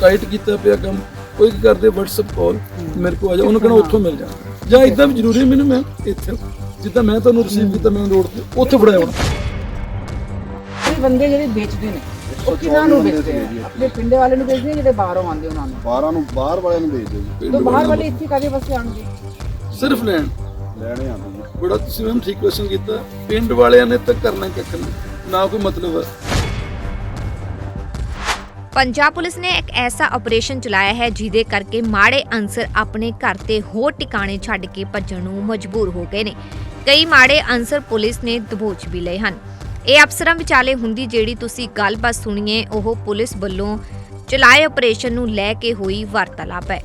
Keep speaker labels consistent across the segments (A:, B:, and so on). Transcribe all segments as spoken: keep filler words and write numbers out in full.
A: Tight किया पिया कम कोई करते WhatsApp कॉल मेरे को आ जा उन्होंने कहना उत्थों मिल जाता ਜਾਂ ਇਦਾਂ ਵੀ ਜ਼ਰੂਰੀ ਮੈਨੂੰ ਮੈਂ ਇੱਥੇ ਜਿੱਦਾਂ ਮੈਂ ਤੁਹਾਨੂੰ ਰਿਸੀਵ ਕੀਤਾ ਮੈਂ ਰੋਡ ਤੇ ਉੱਥੇ ਫੜਾਇਆ ਹੋਣਾ
B: ਕੋਈ ਬੰਦੇ ਜਿਹੜੇ ਵੇਚਦੇ ਨੇ ਉਹ ਕਿਹਨਾਂ ਨੂੰ ਵੇਚਦੇ ਆ ਆਪਣੇ ਪਿੰਡ ਵਾਲੇ ਨੂੰ ਵੇਚਦੇ ਆ ਜਿਹੜੇ ਬਾਹਰੋਂ ਆਉਂਦੇ ਉਹਨਾਂ ਨੂੰ
C: ਬਾਹਰਾਂ ਨੂੰ ਬਾਹਰ ਵਾਲਿਆਂ ਨੂੰ ਵੇਚਦੇ ਜੀ
B: ਤੇ ਬਾਹਰ ਵਾਲੇ ਇੱਥੇ ਕਾਦੇ ਵਾਸਤੇ ਆਣਗੇ
A: ਸਿਰਫ ਲੈਣ
C: ਲੈਣੇ ਆਉਂਦੇ ਜੀ
A: ਬੜਾ ਤੁਸੀਂ ਮੈਮ ਠੀਕ ਕੁਐਸਚਨ ਕੀਤਾ ਪਿੰਡ ਵਾਲਿਆਂ ਨੇ ਤਾਂ ਕਰਨਾ ਕੱਖ ਨਹੀਂ ਨਾ ਕੋਈ ਮਤਲਬ ਹੈ।
D: पंजाब पुलिस ने एक ऐसा ऑपरेशन चलाया है जिहदे करके माड़े अंसर अपने घर ते होर ठिकाने छड्ड के भज्जण नूं मजबूर हो गए ने। कई माड़े अंसर पुलिस ने दबोच भी लए हन। ਇਹ ਅਫਸਰਾਂ ਵਿਚਾਲੇ ਹੁੰਦੀ ਜਿਹੜੀ ਤੁਸੀਂ ਗੱਲਬਾਤ ਸੁਣੀਏ ਉਹ ਪੁਲਿਸ ਵੱਲੋਂ ਚਲਾਏ ਆਪਰੇਸ਼ਨ ਨੂੰ ਲੈ ਕੇ ਹੋਈ ਵਾਰਤਾਲਾਪ ਹੈ।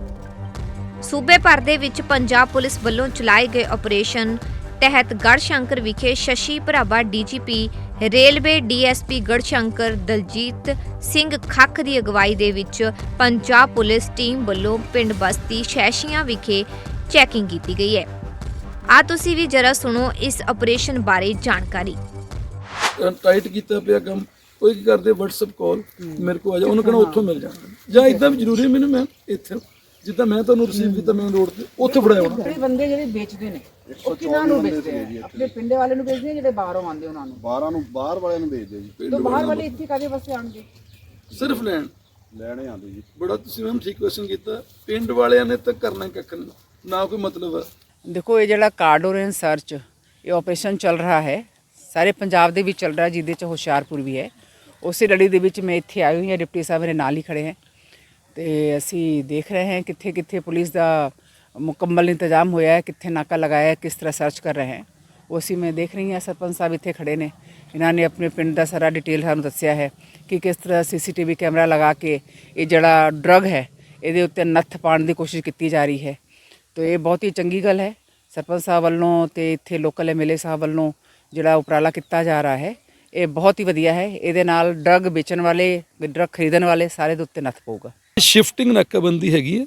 D: ਸੂਬੇ ਭਰ ਦੇ ਵਿੱਚ ਪੰਜਾਬ ਪੁਲਿਸ ਵੱਲੋਂ ਚਲਾਏ ਗਏ ਆਪਰੇਸ਼ਨ ਤਹਿਤ ਗੜਸ਼ੰਕਰ ਵਿਖੇ ਸ਼ਸ਼ੀ ਭਰਾਵਾ DGP railway DSP Garhshankar Daljit Singh Khakh ਦੀ ਅਗਵਾਈ ਦੇ ਵਿੱਚ ਪੰਜਾਬ ਪੁਲਿਸ ਟੀਮ ਵੱਲੋਂ ਪਿੰਡ ਬਸਤੀ ਸ਼ੈਸ਼ੀਆਂ ਵਿਖੇ ਚੈਕਿੰਗ ਕੀਤੀ ਗਈ ਹੈ। ਆ ਤੁਸੀਂ ਵੀ ਜਰਾ ਸੁਣੋ ਇਸ ਆਪਰੇਸ਼ਨ ਬਾਰੇ ਜਾਣਕਾਰੀ।
A: ਟਾਈਟ ਕੀਤਾ ਪਿਆ ਕੰਮ ਕੋਈ ਕਰਦੇ WhatsApp ਕਾਲ ਮੇਰੇ ਕੋ ਆ ਜਾ ਉਹਨੂੰ ਕਹਿਣਾ ਉੱਥੋਂ ਮਿਲ ਜਾਣਾ ਜਾਂ ਇਦਾਂ ਵੀ ਜ਼ਰੂਰੀ ਮੈਨੂੰ ਮੈਂ ਇੱਥੇ ਜਿੱਦਾਂ ਮੈਂ ਤੁਹਾਨੂੰ ਰਿਸੀਵ ਕੀਤਾ ਮੈਂ ਰੋਡ ਤੇ ਉੱਥੇ ਫੜਾਇਆ ਹੋਣਾ
B: ਜਿਹੜੇ ਬੰਦੇ ਜਿਹੜੇ ਵੇਚਦੇ ਨੇ ਉਹ ਕਿਹਨਾਂ ਨੂੰ ਵੇਚਦੇ ਆ ਆਪਣੇ ਪਿੰਡ ਵਾਲੇ ਨੂੰ ਵੇਚਦੇ ਆ ਜਿਹੜੇ ਬਾਹਰੋਂ ਆਉਂਦੇ ਉਹਨਾਂ ਨੂੰ
C: ਬਾਹਰਾਂ ਨੂੰ ਬਾਹਰ ਵਾਲਿਆਂ ਨੂੰ ਵੇਚਦੇ ਜੀ
B: ਤੇ ਬਾਹਰ ਵਾਲੇ ਇੱਥੇ ਕਾਦੇ ਵਾਸਤੇ ਆਣਗੇ
A: ਸਿਰਫ ਲੈਣ
C: ਲੈਣੇ ਆਉਂਦੇ ਜੀ
A: ਬੜਾ ਤੁਸੀਂ ਮੈਮ ਠੀਕ ਕੁਐਸਚਨ ਕੀਤਾ ਪਿੰਡ ਵਾਲਿਆਂ ਨੇ ਤਾਂ ਕਰਨਾ ਕੱਖ ਨਹੀਂ ਨਾ ਕੋਈ ਮਤਲਬ ਹੈ।
B: ਦੇਖੋ ਇਹ ਜਿਹੜਾ ਕਾਰਡੋਰੇਨ ਸਰਚ ਇਹ ਆਪਰੇਸ਼ਨ ਚੱਲ ਰਿਹਾ ਹੈ ਸਾਰੇ ਪੰਜਾਬ ਦੇ ਵਿੱਚ ਚੱਲ ਰਿਹਾ ਜਿਹਦੇ ਚ ਹੁਸ਼ਿਆਰਪੁਰ ਵੀ ਹੈ। ਉਸੇ ਲੜੀ ਦੇ ਵਿੱਚ ਮੈਂ ਇੱਥੇ ਆਈ ਹੋਈ ਹਾਂ ਡਿਪਟੀ ਸਾਹਿਬ ਮੇਰੇ ਨਾਲ ਹੀ ਖੜੇ ਹੈ ਤੇ ਅਸੀਂ ਦੇਖ ਰਹੇ ਹਾਂ ਕਿੱਥੇ ਕਿੱਥੇ ਪੁਲਿਸ ਦਾ ਮੁਕੰਮਲ ਇੰਤਜ਼ਾਮ ਹੋਇਆ ਹੈ ਕਿੱਥੇ ਨਾਕਾ ਲਗਾਇਆ ਹੈ ਕਿਸ ਤਰ੍ਹਾਂ ਸਰਚ ਕਰ ਰਹੇ हैं ਉਸੇ ਮੈਂ ਦੇਖ ਰਹੀ ਹਾਂ ਸਰਪੰਚ ਸਾਹਿਬ ਇੱਥੇ ਖੜੇ ਨੇ ਇਹਨਾਂ ਨੇ ਆਪਣੇ ਪਿੰਡ ਦਾ ਸਾਰਾ ਡਿਟੇਲ ਸਾਨੂੰ ਦੱਸਿਆ ਹੈ ਕਿ ਕਿਸ ਤਰ੍ਹਾਂ ਸੀਸੀਟੀਵੀ ਕੈਮਰਾ ਲਗਾ ਕੇ ਇਹ ਜਿਹੜਾ ਡਰੱਗ ਹੈ ਇਹਦੇ ਉੱਤੇ ਨੱਥ ਪਾਉਣ ਦੀ ਕੋਸ਼ਿਸ਼ ਕੀਤੀ ਜਾ ਰਹੀ ਹੈ। ਤਾਂ ਇਹ ਬਹੁਤ ਹੀ ਚੰਗੀ ਗੱਲ ਹੈ ਸਰਪੰਚ ਸਾਹਿਬ ਵੱਲੋਂ ਤੇ ਇੱਥੇ ਲੋਕਲ ਐਮਐਲਏ ਸਾਹਿਬ ਵੱਲੋਂ ਜਿਹੜਾ ਉਪਰਾਲਾ ਕੀਤਾ ਜਾ ਰਿਹਾ ਹੈ ਇਹ ਬਹੁਤ ਹੀ ਵਧੀਆ ਹੈ। ਇਹਦੇ ਨਾਲ ਡਰੱਗ ਵੇਚਣ ਵਾਲੇ ਡਰੱਗ ਖਰੀਦਣ ਵਾਲੇ ਸਾਰੇ ਦੇ ਉੱਤੇ ਨੱਥ ਪਊਗਾ।
A: ਸ਼ਿਫਟਿੰਗ ਨਾਕਾਬੰਦੀ ਹੈਗੀ ਹੈ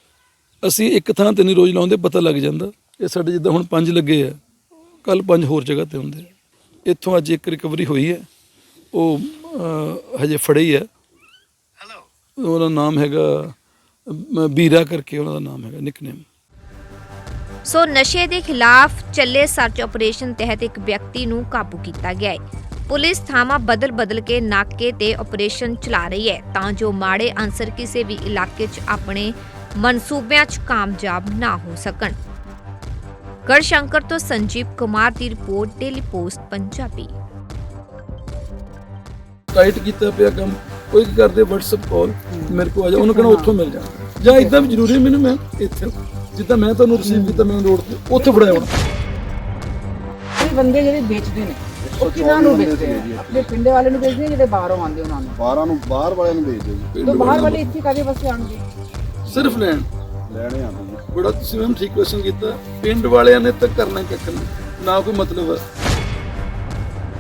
A: ਅਸੀਂ ਇੱਕ ਥਾਂ ਤੇ ਨਹੀਂ ਰੋਜ਼ ਲਾਉਂਦੇ ਪਤਾ ਲੱਗ ਜਾਂਦਾ ਇਹ ਸਾਡੇ ਜਿੱਦਾਂ ਹੁਣ ਪੰਜ ਲੱਗੇ ਆ ਕੱਲ ਪੰਜ ਹੋਰ ਜਗ੍ਹਾ ਤੇ ਹੁੰਦੇ ਆ। ਇੱਥੋਂ ਅੱਜ ਇੱਕ ਰਿਕਵਰੀ ਹੋਈ ਹੈ ਉਹ ਹਜੇ ਫੜੇ ਹੀ ਹੈ ਉਹਦਾ ਨਾਮ ਹੈਗਾ ਬੀਰਾ ਕਰਕੇ ਉਹਨਾਂ ਦਾ ਨਾਮ ਹੈਗਾ ਨਿਕਨੇਮ।
D: ਸੋ ਨਸ਼ੇ ਦੇ ਖਿਲਾਫ ਚੱਲੇ ਸਰਚ ਆਪਰੇਸ਼ਨ ਤਹਿਤ ਇੱਕ ਵਿਅਕਤੀ ਨੂੰ ਕਾਬੂ ਕੀਤਾ ਗਿਆ ਹੈ। ਪੁਲਿਸ ਥਾਵਾਂ ਬਦਲ ਬਦਲ ਕੇ ਨਾਕੇ ਤੇ ਆਪਰੇਸ਼ਨ ਚਲਾ ਰਹੀ ਹੈ ਤਾਂ ਜੋ ਮਾੜੇ ਅਨਸਰ ਕਿਸੇ ਵੀ ਇਲਾਕੇ 'ਚ ਆਪਣੇ ਮਨਸੂਬਿਆਂ 'ਚ ਕਾਮਯਾਬ ਨਾ ਹੋ ਸਕਣ। ਗੜਸ਼ੰਕਰ ਤੋਂ ਸੰਜੀਵ ਕੁਮਾਰ ਦੀ report daily post Punjabi.
A: Tight ਕੀਤਾ ਪਿਆ ਕੰਮ ਕੋਈ ਕਰਦੇ WhatsApp ਕਾਲ ਮੇਰੇ ਕੋ ਆ ਜਾ ਉਹਨੂੰ ਕਹਿਣਾ ਉੱਥੋਂ ਮਿਲ ਜਾਣਾ ਜਾਂ ਇਦਾਂ ਵੀ ਜ਼ਰੂਰੀ ਮੈਨੂੰ ਮੈਂ ਇੱਥੇ ਜਿੱਦਾਂ ਮੈਂ ਤੁਹਾਨੂੰ ਰਿਸੀਵ ਕੀਤਾ ਮੈਂ ਰੋਡ ਤੇ ਉੱਥੇ ਫੜਾਇਆ ਹੋਣਾ
B: ਕੋਈ ਬੰਦੇ ਜਿਹੜੇ ਵੇਚਦੇ ਨੇ ਉਹ ਕਿਹਨਾਂ ਨੂੰ ਵੇਚਦੇ ਆ ਆਪਣੇ ਪਿੰਡ ਵਾਲੇ ਨੂੰ ਵੇਚਦੇ ਆ ਜਿਹੜੇ ਬਾਹਰੋਂ ਆਉਂਦੇ ਉਹਨਾਂ ਨੂੰ
C: ਬਾਹਰਾਂ ਨੂੰ ਬਾਹਰ ਵਾਲਿਆਂ ਨੂੰ ਵੇਚਦੇ ਜੀ
B: ਤੇ ਬਾਹਰ ਵਾਲੇ ਇੱਥੇ ਕਾਦੇ ਵਾਸਤੇ ਆਣਗੇ
A: ਸਿਰਫ ਲੈਣ
C: ਲੈਣੇ ਆਉਂਦੇ ਜੀ
A: ਬੜਾ ਤੁਸੀਂ ਮੈਮ ਠੀਕ ਕੁਐਸਚਨ ਕੀਤਾ ਪਿੰਡ ਵਾਲਿਆਂ ਨੇ ਤਾਂ ਕਰਨਾ ਕੱਖ ਨਹੀਂ ਨਾ ਕੋਈ ਮਤਲਬ ਹੈ।